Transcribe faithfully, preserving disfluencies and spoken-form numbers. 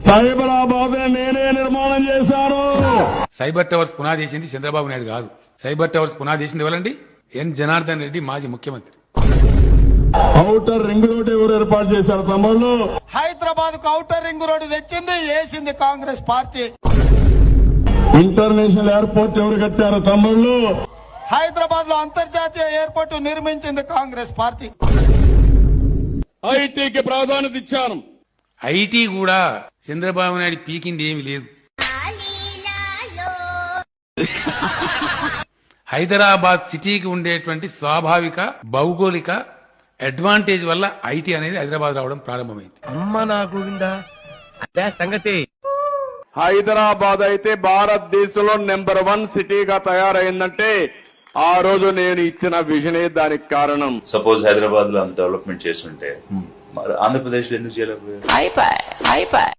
సైబరాబాద్ నేనే నిర్మాణం చేశాను. సైబర్ టవర్స్ పునాది చేసింది చంద్రబాబు నాయుడు కాదు. సైబర్ టవర్స్ పునాది చేసింది ఎవరండి? ఎన్ జనార్దన్ రెడ్డి, మాజీ ముఖ్యమంత్రి. ఔటర్ రింగ్ రోడ్ ఎవరు ఏర్పాటు చేశారు తమ్ముళ్ళు? హైదరాబాద్ కు ఔటర్ రింగ్ రోడ్డు తెచ్చింది వేసింది కాంగ్రెస్ పార్టీ. ఇంటర్నేషనల్ ఎయిర్పోర్ట్ ఎవరు కట్టారు తమ్ముళ్ళు? హైదరాబాద్ లో అంతర్జాతీయ ఎయిర్పోర్ట్ నిర్మించింది కాంగ్రెస్ పార్టీ. ఐటీకి ప్రాధాన్యత ఇచ్చాను. ఐటీ కూడా చంద్రబాబు నాయుడు పీకింది ఏమీ లేదు. హైదరాబాద్ సిటీకి ఉండేటువంటి స్వాభావిక భౌగోళిక అడ్వాంటేజ్ వల్ల ఐటీ అనేది హైదరాబాద్ రావడం ప్రారంభమైంది. అమ్మ నా గోవిందా, అదే సంగతి. హైదరాబాద్ అయితే భారతదేశంలో నెంబర్ వన్ సిటీగా తయారైందంటే ఆ రోజు నేను ఇచ్చిన విజనే దానికి కారణం. సపోజ్ హైదరాబాద్ లో అంత డెవలప్మెంట్ చేస్తుంటే మరి ఆంధ్రప్రదేశ్ లో ఎందుకు చేయలేకపోయారు?